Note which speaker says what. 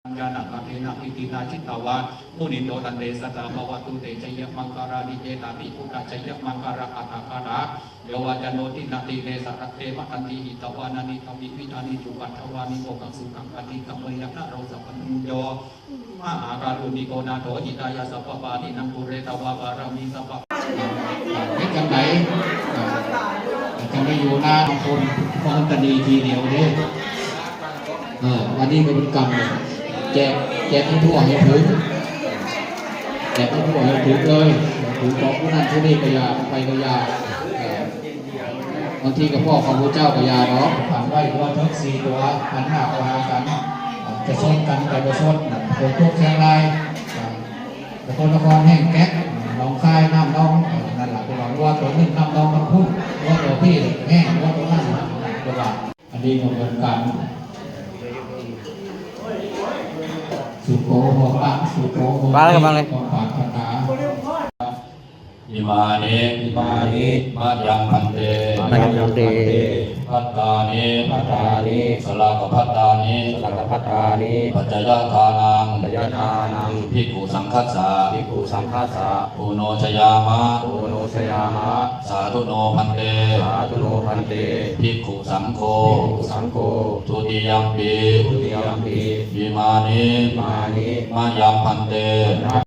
Speaker 1: ญาณกาเทนะอิตินาชิตาวามุนิโตตันเดสตาภวตุเตชยมังคารานิเจตาปิปุตตะชยมังคาราอัตถคาระโยวาจโนตินาติเนสัตเตมะตันติหิตวานานิธรรมิวิธานิจุปัตถวานิโมกังสุขังปฏิกัมเมยนะเราสัพพัญโยมหาการุณิโกนาโถอิตายาสัพพปานินังปุเรตวาบารมีสัพพะเฮ็ดจังไดจะไม่อยู่หน้าคนเพราะมันจะดีทีเดียวเด้วันนี้ก็เป็นกรรมแจกให้ทั่วให้ถึงแจกให้ทั่วให้ถึงเลยถึงบอกผู้นั้นผู้นี้ก็ยาไปก็ยาบางทีกับพ่อของพระเจ้าก็ยาเนาะผ่านไว้ตัวทั้ง4ตัวหันหน้าเข้าหากันจะชนกันแต่จะชนโดยพวกเชียงรายแต่คนนครแห้งแก๊กน้องคายน้ำน้องนั่นแหละเป็นว่าตัวนึงน้ำน้องมันพุ่งว่าตัวพี่แห้งว่าตัวนั้นตัวละอันนี้ก็เหมือนกันสุโขโหระสุโขโหระของปากคาถา
Speaker 2: อิมานิมายังพันเตพัตตานิสลากพัตตานิปัจจยทานังภิกขุสังคัสสะอุโนชยามะสาธุโนพันเตภิกขุสังโฆทุติยัมปิวิมานิมายังพันเต